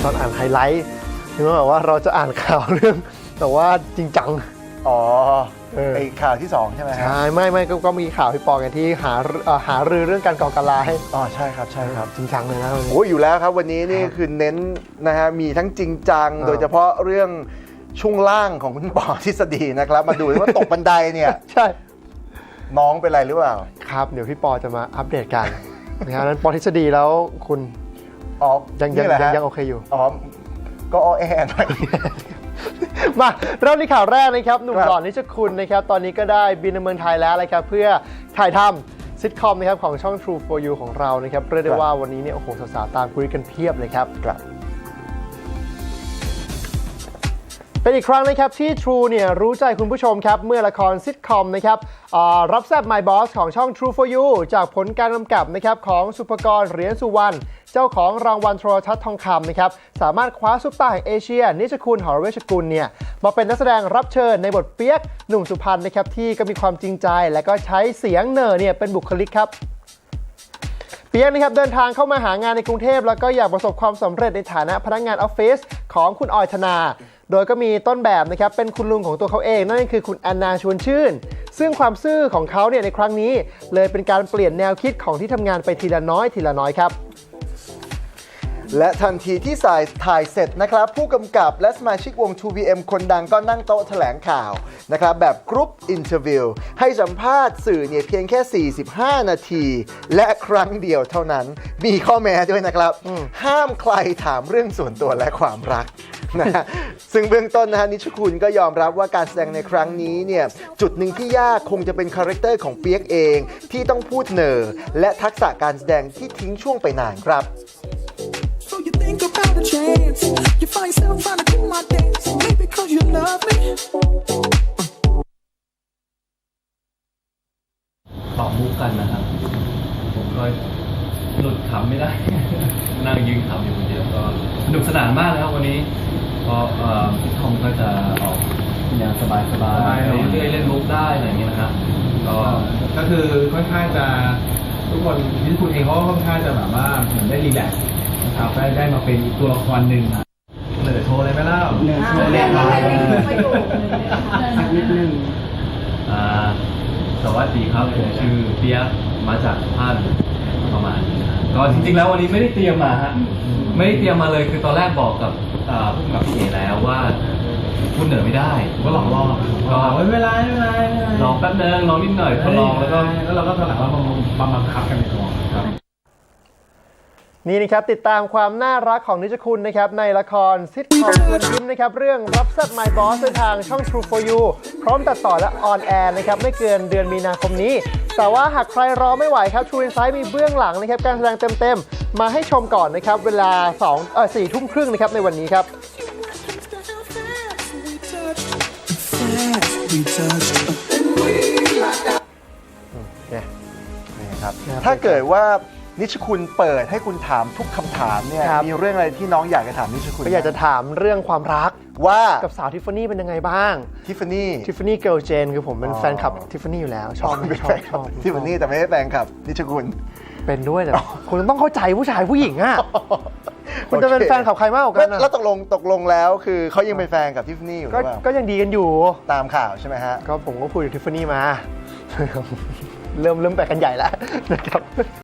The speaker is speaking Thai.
ตอนอ่านไฮไลท์ถึงแบบว่าเราจะอ่านข่าวเรื่องแต่ว่าจริงจังอ๋อไอข่าวที่2ใช่ไหมครับใช่ไม่ก็มีข่าวพี่ปอกันที่หารือเรื่องการก่อการร้ายอ๋อใช่ครับจริงจังเลยนะโอ้อยู่แล้วครับวันนี้นี่คือเน้นนะฮะมีทั้งจริงจังโดยเฉพาะเรื่องช่วงล่างของคุณปอทฤษฎีนะครับมาดูว่าตกบันไดเนี่ยใช่น้องเป็นไรหรือเปล่าครับเดี๋ยวพี่ปอจะมาอัปเดตกันนะครับนั้นปอทฤษฎีแล้วคุณอ๋อยังโอเคอยู่อ๋อก็อ้อแอหน่อยมาเริ่มที่ข่าวแรกนะครับหนุ่มหล่อนิชคุณนะครับตอนนี้ก็ได้บินมาเมืองไทยแล้วนะครับเพื่อถ่ายทำซิทคอมนะครับของช่อง True for You ของเรานะครับเรียกได้ว่าวันนี้เนี่ยโอ้โหสาวๆตามคุยกันเพียบเลยครับเป็นอีกครั้งนะครับที่ True เนี่ยรู้ใจคุณผู้ชมครับเมื่อละครซิทคอมนะครับรับแซ่บ My Boss ของช่อง True for You จากผลการกำกับนะครับของสุภกรเหรียญสุวรรณเจ้าของรางวัลโทรทัศน์ทองคำนะครับสามารถคว้าซุปตาร์แห่งเอเชียนิชคุณหอเวชกุลเนี่ยมาเป็นนักแสดงรับเชิญในบทเปียกหนุ่มสุพรรณนะครับที่ก็มีความจริงใจและก็ใช้เสียงเนอเนี่ยเป็นบุคลิกครับเปียกนะครับเดินทางเข้ามาหางานในกรุงเทพแล้วก็อยากประสบความสำเร็จในฐานะพนักงานออฟฟิศของคุณออยธนาโดยก็มีต้นแบบนะครับเป็นคุณลุงของตัวเขาเองนั่นก็คือคุณแอนนาชวนชื่นซึ่งความซื่อของเขาเนี่ยในครั้งนี้เลยเป็นการเปลี่ยนแนวคิดของที่ทำงานไปทีละน้อยครับและทันทีที่ถ่ายเสร็จนะครับผู้กำกับและสมาชิกวง 2PM คนดังก็นั่งโต๊ะแถลงข่าวนะครับแบบกรุ๊ปอินเทอร์วิวให้สัมภาษณ์สื่อเนี่ยเพียงแค่45นาทีและครั้งเดียวเท่านั้นมีข้อแม้ด้วยนะครับห้ามใครถามเรื่องส่วนตัวและความรักนะซึ่งเบื้องต้นนะฮะนิชคุณก็ยอมรับว่าการแสดงในครั้งนี้เนี่ยจุดหนึ่งที่ยากคงจะเป็นคาแรคเตอร์ของเปียกเองที่ต้องพูดเนอและทักษะการแสดงที่ทิ้งช่วงไปนานครับ So you think about a chance, you find yourself trying to do my dance, maybe cause you love me. ตอบมุกกันนะครับผมก็หลุดขำไม่ได้ นั่งยืนขำอยู่คนเดียวก็สนุกสนานมากนะครับวันนี้ก็ซิทคอมก็จะออกอย่างสบายเรื่อยๆเล่นมุกได้อะไรอย่างเงี้ยนะครับก็คือค่อนข้างจะทุกคนที่คุณเองเขาก็ค่อนข้างจะแบบว่าเหมือนได้รีแลกซ์นะครับได้มาเป็นตัวละครหนึ่งเหนือโชว์เลยไหมล่ะเหนือโชว์เลยสักนิดนึงสวัสดีครับผมชื่อเปียกมาจากสุพรรณประมาณนี้นะก็จริงๆแล้ววันนี้ไม่ได้เตรียมมาฮะไม่ได้เตรียมมาเลยคือตอนแรกบอกกับผู้กำกับพี่เอแล้วว่าพูดเหนือไม่ได้ก็ลองก็ไม่เป็นไรลองแป๊บนึงลองนิดหน่อยพอลองแล้วเราก็ถนัดว่าบังคับกันในตัวครับนี่นะครับติดตามความน่ารักของนิชคุณนะครับในละครซิทคอมชวนยิ้มนะครับเรื่องรับแซ่บ My Boss ในทางช่อง True for You พร้อมตัดต่อและออนแอร์นะครับไม่เกินเดือนมีนาคมนี้แต่ว่าหากใครรอไม่ไหวครับ True Insight มีเบื้องหลังนะครับการแสดงเต็มๆมาให้ชมก่อนนะครับเวลา4 ทุ่มครึ่งนะครับในวันนี้ครับถ้าเกิดว่านิชคุณเปิดให้คุณถามทุกคำถามเนี่ยมีเรื่องอะไรที่น้องอยากจะถามนิชคุณก็อยากจะถามเรื่องความรักว่ากับสาวทิฟฟานี่เป็นยังไงบ้างทิฟฟานี่เกิร์ลเจนคือผมเป็นแฟนคลับทิฟฟานี่อยู่แล้วชอบทิฟฟานี่แต่ไม่ได้แฟนคลับนิชคุณเป็นด้วยแต่คุณต้องเข้าใจผู้ชายผู้หญิงอ่ะคุณจะเป็นแฟนกับใครมากกว่ากันแล้วตกลงแล้วคือเขายังเป็นแฟนกับทิฟฟานี่อยู่หรือเปล่าก็ยังดีกันอยู่ตามข่าวใช่ไหมฮะก็ผมก็คุยกับทิฟฟานี่มาเริ่มไปกันใหญ่แล้วนะครับ